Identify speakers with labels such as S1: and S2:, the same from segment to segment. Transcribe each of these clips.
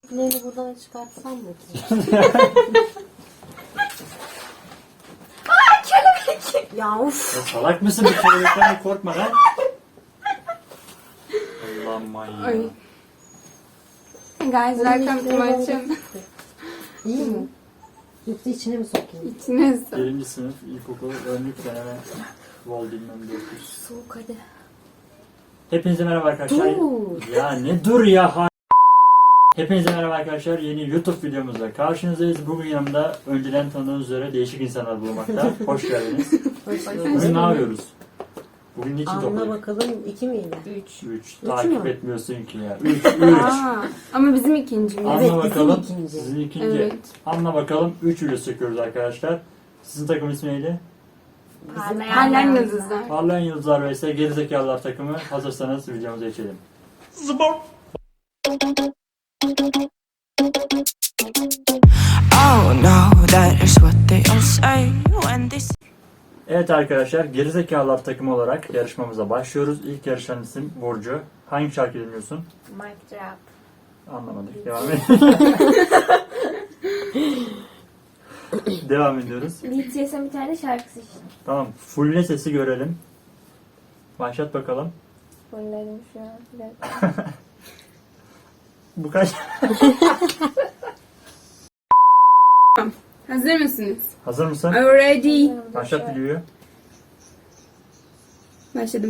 S1: Beni buradan çıkartsam mı?
S2: Aa, kelebek.
S1: Ya of.
S3: Ya salak mısın? Bir kelebekten korkma lan. Allah'ım manyağı.
S2: Ay. Guys, welcome to my channel.
S1: İyi mi? Yoksa içine mi sokayım?
S2: İçine su.
S3: 1. sınıf ilkokul önlük deneme. Vol bilmem 900.
S1: Soğuk hadi.
S3: Hepinize merhaba arkadaşlar.
S1: Dur.
S3: Ya ne dur ya. Hepinize merhaba arkadaşlar. Yeni YouTube videomuzla karşınızdayız. Bugün yanımda önceden tanıdığınız üzere değişik insanlar bulunmakta. Hoş geldiniz. Bugün ne yapıyoruz? Bugün niçin
S1: Anla
S3: topladık?
S1: bakalım 2 miydi?
S3: 3.
S1: Üç
S3: Takip
S1: mü?
S3: etmiyorsun ki ya. 3.
S2: Aa, ama bizim ikincimiz.
S3: Anla
S1: Evet, bizim
S3: bakalım.
S1: ikinci.
S3: Sizin ikinci.
S2: Evet.
S3: Anla bakalım. 3 video çekiyoruz arkadaşlar. Sizin takım ismi neydi?
S2: Parlayan yıldızlar.
S3: Parlayan Yıldızlar vs Gerizekalılar takımı. Hazırsanız videomuza geçelim.
S4: Oh no, that is what they all say when they
S3: Evet arkadaşlar, Gerizekalılar takımı olarak yarışmamıza başlıyoruz. İlk yarışan isim Burcu. Hangi şarkı dinliyorsun?
S2: Mic drop.
S3: Anlamadık. Devam et. Devam ediyoruz.
S2: BTS'in bir tane şarkısı işte.
S3: Tamam. Fulle sesi görelim. Başlat bakalım.
S2: Fulledim şu an. Bir dakika.
S3: Bu kaç?
S2: Hazır mısınız?
S3: Hazır mısın?
S2: Are you ready?
S3: Başlat videoyu.
S2: Başladım.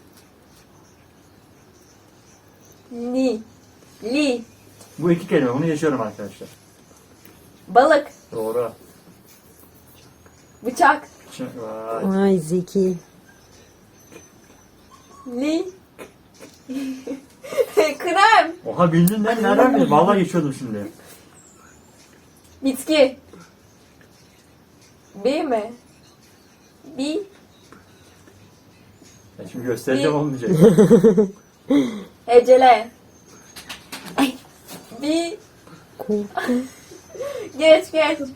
S5: Li.
S3: Bu iki kelime. Bunu geçiyorum arkadaşlar.
S5: Balık.
S3: Doğru.
S5: Bıçak.
S3: Vay.
S1: Ay Zeki.
S5: Li. Krem.
S3: Oha bildin lan. Nereden bildin? Vallahi geçiyordum şimdi.
S5: Bitki. B mi? Bi.
S3: Ya şimdi göstereceğim olmayacak.
S5: Hecele. Bi.
S1: Korku.
S5: Geç.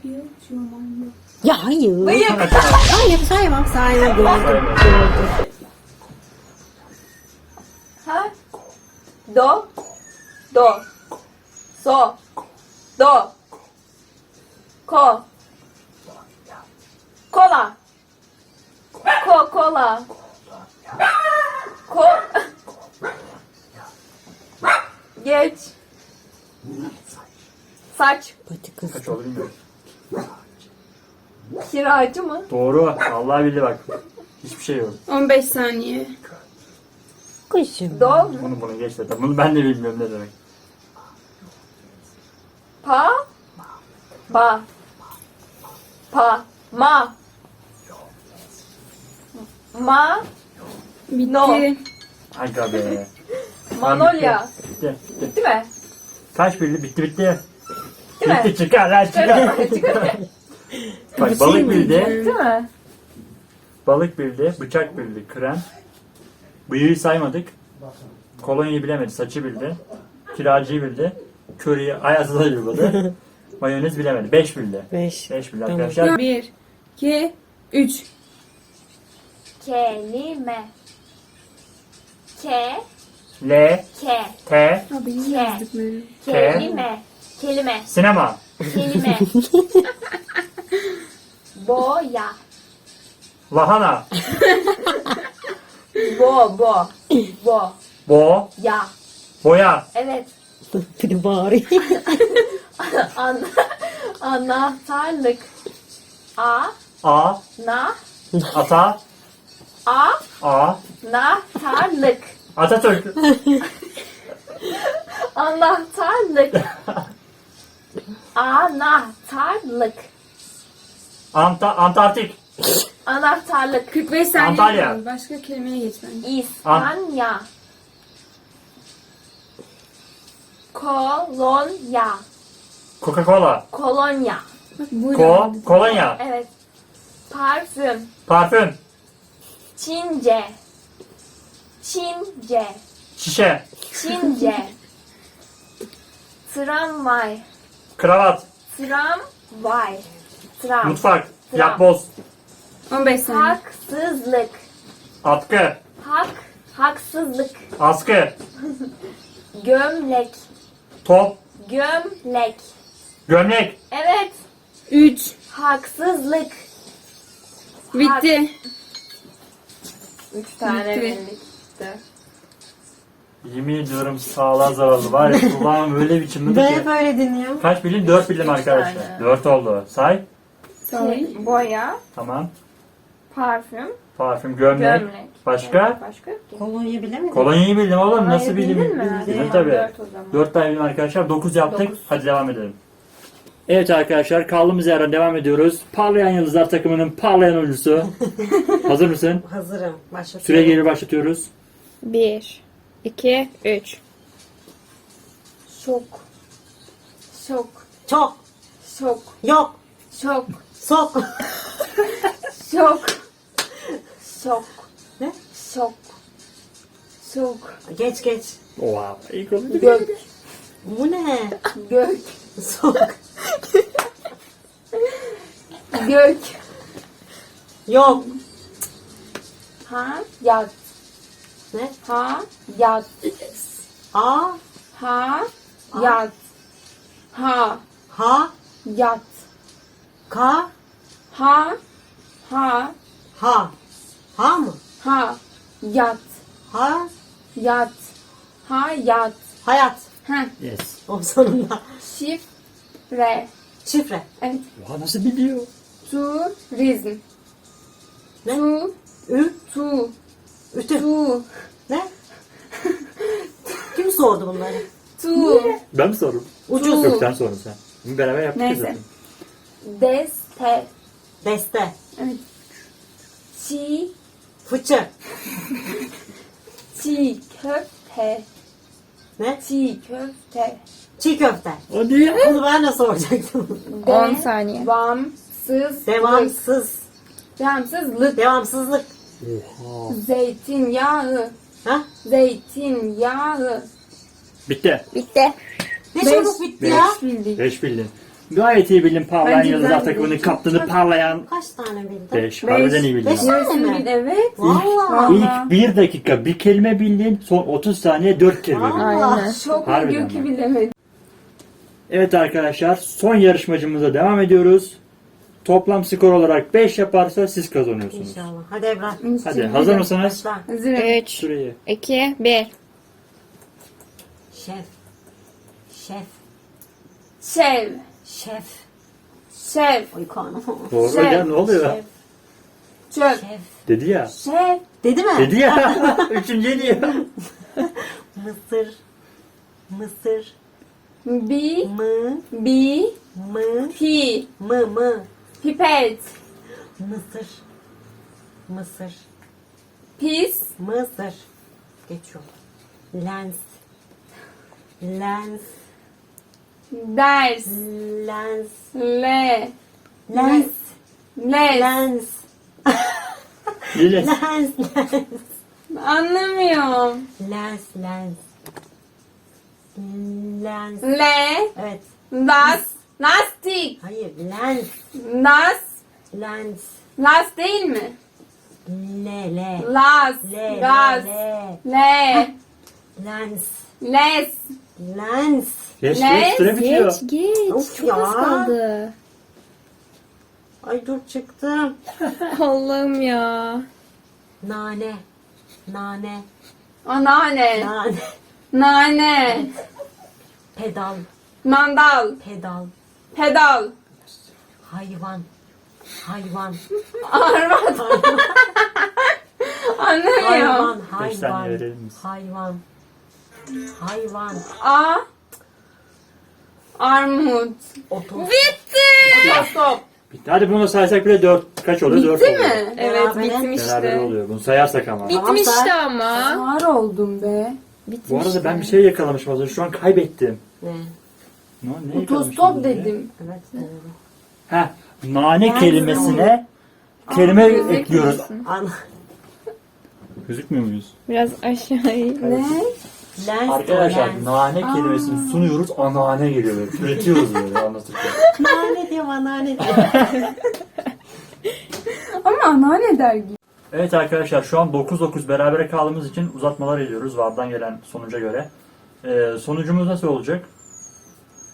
S1: Ya hayır.
S5: Bıyık.
S1: Hayır saymam gördüm.
S5: Ha? Do. So. Do. Ko. Kola. Kola. Ko. Geç. Saç.
S1: Pati kız.
S3: Kaç oldu bilmiyorum.
S5: Kiracı mı?
S3: Doğru. Vallahi bildi bak. Hiçbir şey yok.
S2: 15 saniye.
S1: Kuşum.
S5: Do.
S3: Bunu geç zaten. Bunu ben de bilmiyorum ne demek.
S5: Pa. Ba. Pa. Ma. Ma.
S2: Bitti.
S5: No.
S3: Aga be.
S5: Manolya.
S3: Bitti.
S5: Bitti mi?
S3: Kaç bildi? Bitti.
S5: Değil mi?
S3: Bitti çıkar lan çıkar. Bak balık bildi.
S5: Bitti mi?
S3: Balık bildi. Bıçak bildi. Krem. Bıyığı saymadık. Kolonyayı bilemedi. Saçı bildi. Kiracıyı bildi. Köriyi ayazda uyguladı. Mayonez bilemedi. 5 bildi.
S1: 5.
S3: 5 bildi
S1: Tamam.
S3: arkadaşlar.
S2: 1, 2, 3.
S5: Kelime. Ke.
S3: L.
S5: Ke.
S3: T.
S2: Abi
S5: Ke.
S2: yazdıkları.
S5: Kelime. Kelime.
S3: Sinema.
S5: Kelime. Boya.
S3: Lahana.
S5: Bo.
S3: Bo.
S5: Ya.
S3: Boya.
S5: Evet.
S1: Bir de bağırıyor.
S5: An anahtarlık. A.
S3: A.
S5: Na.
S3: Ata.
S5: A.
S3: A.
S5: Nahtarlık.
S3: Atatürk.
S5: Anahtarlık. Anahtarlık.
S3: Antarktik.
S5: Anahtarlık.
S2: 45 saniye
S3: Antalya.
S2: kaldı. Başka kelimeye geç bence.
S5: İspanya. Kolonya.
S3: Coca-Cola.
S5: Kolonya.
S2: Bak buyurun.
S3: Kolonya.
S5: Evet. Parfüm.
S3: Parfüm.
S5: Çince.
S3: Şişe.
S5: Tramvay.
S3: Kravat.
S5: Tram.
S3: Mutfak.
S5: Tram.
S3: Yapboz.
S2: 15 saniye.
S5: Haksızlık.
S3: Atkı.
S5: Haksızlık.
S3: Askı.
S5: Gömlek.
S3: Top.
S5: Gömlek.
S3: Gömlek.
S5: Evet.
S2: 3.
S5: Haksızlık.
S2: Bitti.
S5: 3 tane
S2: Bitti.
S5: bildik.
S3: Yemin ediyorum sağlığa zararlı. Var ya kulağım öyle biçimde
S1: Ve
S3: ki.
S1: hep öyle dinliyor.
S3: Kaç bildim? 4 bildim arkadaşlar.
S5: tane.
S3: 4 oldu. Say.
S2: Say.
S5: Boya.
S3: Tamam.
S5: Parfüm.
S3: Parfüm, gömlek.
S5: Gömlek.
S3: Başka?
S5: Başka yok ki.
S1: Kolonya bilemedin.
S3: Kolonyayı bildim oğlum.
S5: Hayır,
S3: Nasıl bildim?
S5: bildin mi?
S3: Bildim
S5: Tamam,
S3: tabii.
S5: 4 o zaman.
S3: 4 tane bildim arkadaşlar. 9 yaptık.
S5: 9.
S3: Hadi devam edelim. Evet arkadaşlar kaldığımız yerden devam ediyoruz. Parlayan Yıldızlar takımının parlayan oyuncusu. Hazır mısın?
S1: Hazırım. Başlatıyorum.
S3: Süre geri başlatıyoruz.
S2: 1, 2, 3.
S5: Şok. Şok.
S1: Çok.
S5: Şok.
S1: Yok.
S5: Şok.
S1: Sok.
S5: Şok. Şok.
S1: Ne?
S5: Şok. Şok.
S1: Geç geç.
S3: Oha. İlk oldu.
S5: Gök.
S1: Bu ne?
S5: Gök.
S1: Sok.
S5: Gök.
S1: Yok.
S5: Ha. Yat.
S1: Ne?
S5: Ha. Yat.
S1: A.
S5: Ha. Yat. Ha.
S1: Ha.
S5: Yat.
S1: Ka.
S5: Ha. Ha.
S1: Ha. Ha mı?
S5: Ha. Yat.
S1: Ha.
S5: Yat. Ha. Yat.
S1: Hayat.
S5: Ha.
S3: Yes.
S1: O sonunda.
S5: Şifre.
S1: Şifre.
S5: Evet.
S3: Oha nasıl biliyor?
S5: Turizm.
S1: Ne?
S5: Tu.
S1: Ü.
S5: Tu.
S1: Ütü.
S5: Tu.
S1: Ne? Kim sordu bunları?
S5: Tu.
S3: Ben mi sordum?
S1: Ucuz.
S3: Yok sen sordun sen. Bunu beraber yaptık ya
S2: Neyse.
S3: zaten.
S5: Deste.
S1: Deste.
S5: Çiğ.
S1: Fıçı.
S5: Çiğ köfte.
S1: Ne?
S5: Çiğ köfte.
S1: Çiğ köfte.
S3: O değil.
S1: Bunu ben de soracaktım.
S2: 10 saniye.
S5: Devamsız.
S1: Devamsız.
S5: Devamsızlık.
S1: Devamsızlık.
S3: Oha.
S5: Zeytinyağı.
S1: Ha?
S5: Zeytinyağı.
S3: Bitti.
S2: Bitti.
S1: Ne
S5: Beş.
S1: çabuk bitti ya.
S2: Bildik.
S3: 5 bildin. Gayet iyi bildin parlayan
S2: Bence
S3: Yıldızlar
S2: ben
S3: takımının
S2: bildim.
S3: kaptanı parlayan
S1: Kaç tane bildin?
S3: 5. Harbiden iyi bildin.
S1: Beş
S3: ama.
S1: tane mi?
S5: Evet.
S1: Valla.
S3: İlk 1 dakika bir kelime bildin. Son 30 saniye 4 kelime bildin.
S2: Aynen.
S5: Şok
S3: Harbiden
S5: Gökü
S3: bak.
S5: bilemedim.
S3: Evet arkadaşlar son yarışmacımıza devam ediyoruz. Toplam skor olarak 5 yaparsa siz kazanıyorsunuz.
S1: İnşallah. Hadi Ebrar.
S3: Hadi hazır mısınız?
S1: Başla.
S5: Hazırım.
S2: 3,
S3: Süreyi.
S2: 2, 1.
S1: Şef. Şef.
S5: Şev.
S1: Şef.
S5: Şev.
S1: Oy karnım.
S3: Doğru
S5: Şef.
S3: hocam ne oluyor?
S1: Şef.
S5: Çöp.
S1: Şef.
S3: Dedi ya.
S5: Şev.
S1: Dedi mi?
S3: Dedi ya. Üçüncü diyor.
S1: Mısır. Mısır.
S5: Bi.
S1: Mı.
S5: Bi.
S1: Mı.
S5: Pi.
S1: Mı.
S5: Pipet.
S1: Mısır. Mısır.
S5: Pis.
S1: Mısır. Geçiyor. Lens. Lens.
S5: Ders.
S1: Lens.
S5: Le.
S1: Lens.
S5: Les.
S1: Lens.
S3: Lili.
S1: Lens. Lens.
S5: Anlamıyorum.
S1: Lens. Lens. Lens.
S5: Le.
S1: Evet.
S5: Das. Lastik.
S1: Hayır. Lens.
S5: Das.
S1: Lens.
S5: Las değil mi?
S1: Le.
S5: Las.
S1: Le.
S5: Gaz.
S1: Le.
S5: Le.
S1: Lens.
S5: Les.
S1: Lens.
S3: Geç
S5: Ne?
S3: geç süre bitiyor.
S2: Geç.
S1: Of
S2: Çok
S1: ya.
S2: az kaldı.
S1: Ay dur çıktım.
S2: Allah'ım ya.
S1: Nane. Nane.
S5: Anneanne.
S1: Nane.
S5: Nane.
S1: Pedal.
S5: Mandal.
S1: Pedal.
S5: Pedal.
S1: Hayvan. Hayvan.
S5: Arvat. Anlamıyorum.
S1: Hayvan.
S3: Beş saniye
S1: Hayvan.
S3: verelim biz.
S1: Hayvan. Hayvan.
S5: A. Armut.
S1: Oto.
S5: Stop.
S3: Bitti. Hadi bunu saysak bile 4 kaç oluyor? 4
S5: Bitti
S3: oluyor.
S5: mi? Evet
S1: Berabere.
S5: bittim
S3: Beraber
S5: işte.
S3: oluyor. Bunu sayarsak ama.
S2: Bitmişti ama.
S5: Ağır oldum be.
S2: Bitmişti.
S3: Bu arada ben bir şey yakalamışım az önce. Şu an kaybettim.
S1: Ne?
S3: Ne yakalamışım az
S5: Otostop
S3: önce?
S5: dedim.
S1: Evet doğru.
S3: Heh. Nane kelimesine kelime
S2: gözükmüyorsun.
S3: ekliyoruz.
S1: An
S3: Gözükmüyor muyuz?
S2: Biraz aşağıya.
S5: Ne?
S1: lens.
S3: Arkadaşlar
S1: lens.
S3: nane kelimesini sunuyoruz. Anane geliyor böyle. Üretiyoruz böyle anlatırken.
S1: Nane diyorum anneanne diyor.
S5: Ama anneanne der gibi.
S3: Evet arkadaşlar şu an 9-9 berabere kaldığımız için uzatmalar ediyoruz VAR'dan gelen sonuca göre. Sonucumuz nasıl olacak?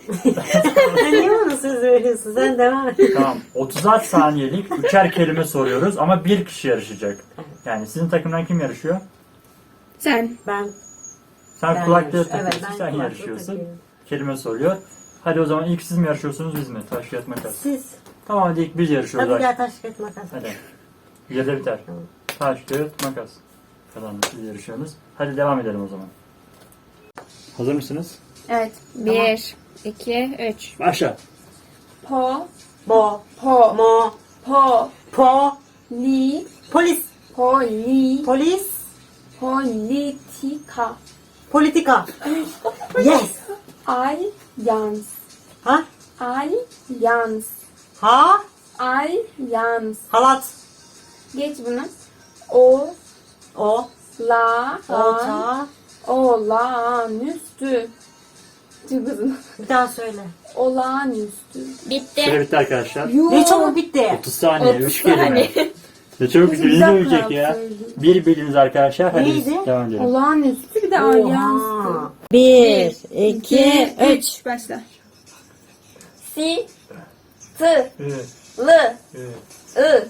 S1: Niye bana söz veriyorsun? Sen devam et.
S3: Tamam. 36 saniyelik 3'er kelime soruyoruz ama bir kişi yarışacak. Yani sizin takımdan kim yarışıyor?
S2: Sen.
S1: Ben
S3: Sen kulaklığı
S1: yarışıyorum.
S3: takıyorsun,
S1: Evet, ben
S3: sen
S1: kulaklığı
S3: yarışıyorsun.
S1: takıyorum.
S3: Kelime soruyor. Hadi o zaman ilk siz mi yarışıyorsunuz biz mi? Taş kağıt makas.
S1: Siz.
S3: Tamam hadi ilk biz yarışıyoruz.
S1: Hadi
S3: Hadi.
S1: gel taş kağıt makas.
S3: Hadi. Yerde biter.
S1: Tamam.
S3: Taş kağıt makas. Kazandık, siz yarışıyorsunuz. Hadi devam edelim o zaman. Hazır mısınız?
S2: Evet. 1, 2, 3.
S3: Başla.
S2: Po.
S1: Bo.
S2: Po.
S1: Mo.
S2: Po.
S1: Po.
S2: Li.
S1: Polis.
S2: Poli.
S1: Polis.
S2: Politika.
S1: Politika. Yes.
S2: Alyans.
S1: Ha?
S2: Alyans.
S1: Ha?
S2: Alyans.
S1: Halat.
S2: Geç bunu. O.
S1: O.
S2: La.
S1: Olta.
S2: Olağanüstü. Çok uzun.
S1: Bir daha söyle.
S2: Olağanüstü.
S3: Süre bitti arkadaşlar.
S1: Ne çabuk bitti.
S3: 30 saniye,
S2: 30
S3: 3 kelime.
S2: saniye.
S3: Ne çabuk bitti, bizi de
S2: dakika
S3: ölecek ya.
S2: yapsaydım.
S3: Bir bildiniz arkadaşlar, hadi biz
S1: Neydi?
S3: devam edelim.
S2: Olağanüstü bir de alyanstı.
S1: 1, 2, 3.
S2: Başla. Si. Tı.
S3: Ü,
S2: Lı.
S3: ü,
S2: I.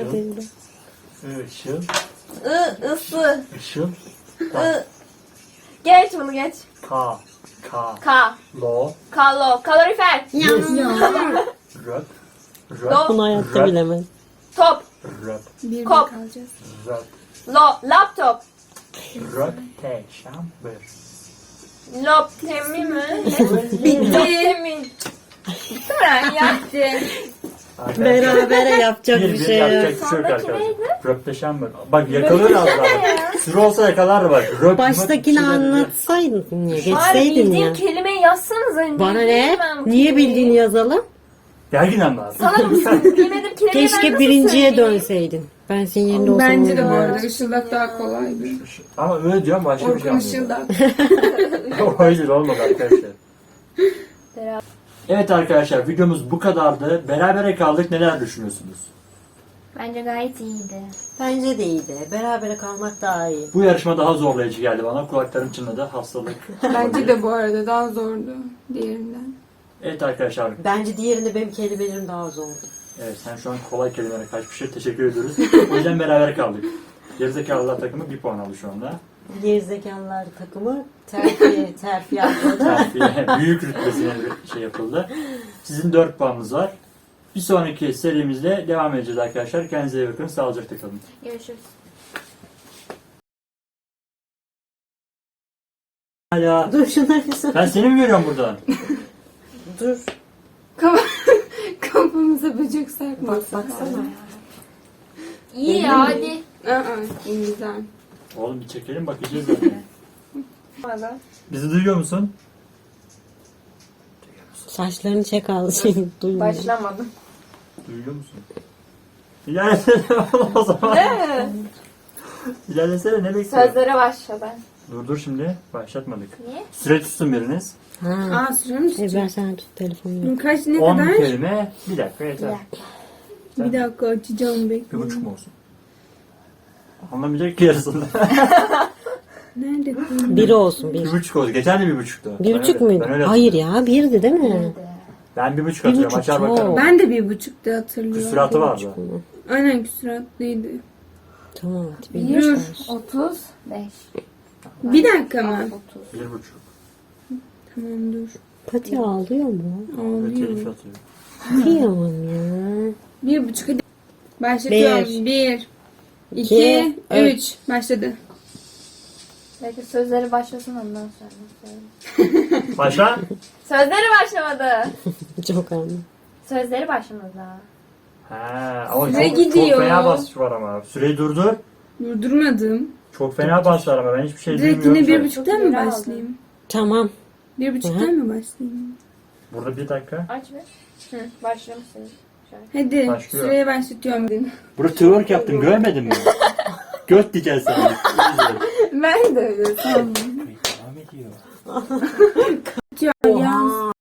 S3: ışıl,
S2: I. Isı.
S3: ışıl,
S2: I. Geç bunu geç.
S3: ka,
S2: Ka.
S3: lo,
S2: Kalo. Kalorifer.
S3: röp,
S2: Do.
S1: Bunu hayatta bilemem.
S2: Top.
S3: röp,
S2: Kop.
S3: röp,
S2: Laptop.
S3: röpteşambır.
S2: Loptemi mi? Bitti. Bitti mi? Yaptı.
S1: Berabere yapacak bir şey yok.
S3: yapacak bir şey yok
S2: Sondaki
S3: arkadaşlar.
S2: neydi?
S3: Röpteşambır. Bak yakalıyor az daha. Süre olsa yakalardı bak. Röp,
S1: Baştakini
S3: mıp,
S1: anlatsaydın ya,
S2: Bari
S1: geçseydin
S2: bildiğim
S1: ya.
S2: kelimeyi yazsanız önce.
S1: Bana ne?
S2: Bilmem bu
S1: Niye
S2: kelimeyi.
S1: bildiğini yazalım?
S3: Gergin lazım.
S2: Sana da bilmedim kelimeyi ben
S1: Keşke
S2: nasıl
S1: birinciye
S2: söyleyeyim?
S1: dönseydin. Ben senin yerinde olsam
S5: Bence de bu
S1: olurdu.
S5: arada ışıldak daha kolaydı.
S3: Ama öyle diyorum başka bir şey
S5: Orkun
S3: anlıyorum.
S5: ışıldak.
S3: O yüzden olmadı arkadaşlar. Evet arkadaşlar videomuz bu kadardı. Berabere kaldık. Neler düşünüyorsunuz?
S2: Bence gayet iyiydi.
S1: Bence de iyiydi. Berabere kalmak daha iyi.
S3: Bu yarışma daha zorlayıcı geldi bana. Kulaklarım çınladı. Hastalık.
S5: Bence de bu arada daha zordu diğerinden.
S3: Evet arkadaşlar.
S1: Bence diğerinde benim kelimelerim daha zordu.
S3: Evet sen şu an kolay kelimelere kaçmışsın. Teşekkür ediyoruz. O yüzden beraber kaldık. Gerizekalılar takımı 1 puan aldı şu anda.
S1: Gerizekalılar takımı terfi yaptı.
S3: Terfiye, büyük rütbesine bir şey yapıldı. Sizin 4 puanınız var. Bir sonraki serimizde devam edeceğiz arkadaşlar. Kendinize iyi bakın. Sağlıcakla kalın.
S2: Görüşürüz.
S3: Hala.
S1: Dur şunları bir sor.
S3: Ben seni mi görüyorum buradan?
S1: Dur.
S5: Kafamıza böcek sarkmasın.
S1: Baksana.
S2: İyi ya hadi.
S5: İyi güzel.
S3: Oğlum bir çekelim bakacağız zaten. Bizi duyuyor musun?
S1: Saçlarını çek al. Seni duymuyor.
S2: Başlamadım.
S3: Duyuyor musun? İlerlesene oğlum o zaman.
S2: Ne?
S3: İlerlesene ne bekliyorsun?
S2: Sözlere başla ben.
S3: Dur şimdi. Başlatmadık.
S2: Niye?
S3: Süre tutsun biriniz.
S1: Ha.
S5: Süre mi tutacak?
S1: Ben sana tut telefonu.
S5: Kaç ne
S3: 10
S5: kadar?
S3: kelime. Bir dakika yeter.
S5: Bir dakika açacağım bekle.
S3: 1,5 mu olsun? Anlamayacak ki yarısında.
S5: Nerede?
S1: Biri olsun bir.
S3: 1,5 oldu. Geçen de 1,5'tu.
S1: 1,5 muydu?
S3: Ben öyle
S1: Hayır ya birdi değil mi?
S3: Ben 1,5 atıyorum.
S1: 1,5
S3: Açar
S1: çok.
S3: bakarım.
S5: Ben de 1,5'te hatırlıyorum.
S3: Küsuratı vardı.
S5: Aynen küsuratlıydı.
S1: Tamam hadi
S5: Yürü.
S1: bir olsun.
S2: 35.
S5: Bir dakika mı?
S3: 1,5.
S5: Tamam dur.
S1: Pati ağlıyor mu?
S3: Evet, telif
S5: Ağlıyor.
S3: atıyor.
S1: Kıyamam ya.
S5: 1,5 hadi. Başlatıyorum. 1, 2, 3. Başladı.
S2: Belki sözleri başlasın ondan sonra.
S3: Başla.
S2: Sözleri başlamadı.
S1: Çok anladım.
S2: Sözleri başlamadı daha.
S3: Ha, ama
S5: Süre
S3: çok
S5: gidiyor.
S3: fena basış var ama. Süreyi durdur.
S5: Durdurmadım.
S3: Çok fena basış var ama ben hiçbir şey
S5: Direkt
S3: duymuyorum.
S5: yine
S3: ki.
S5: 1,5'ten mi
S2: Çok
S5: başlayayım?
S1: Tamam.
S5: 1,5'ten mi başlayayım?
S3: Burada bir dakika.
S2: Aç bir. Hı, başlamışsınız.
S5: Hadi
S3: Başlıyor.
S5: süreye başlatıyorum.
S3: Burada twerk yaptım görmedin mi? Göt diyeceğiz sana.
S5: Ben de öyle sandım.
S3: Devam ediyor.
S5: Ya.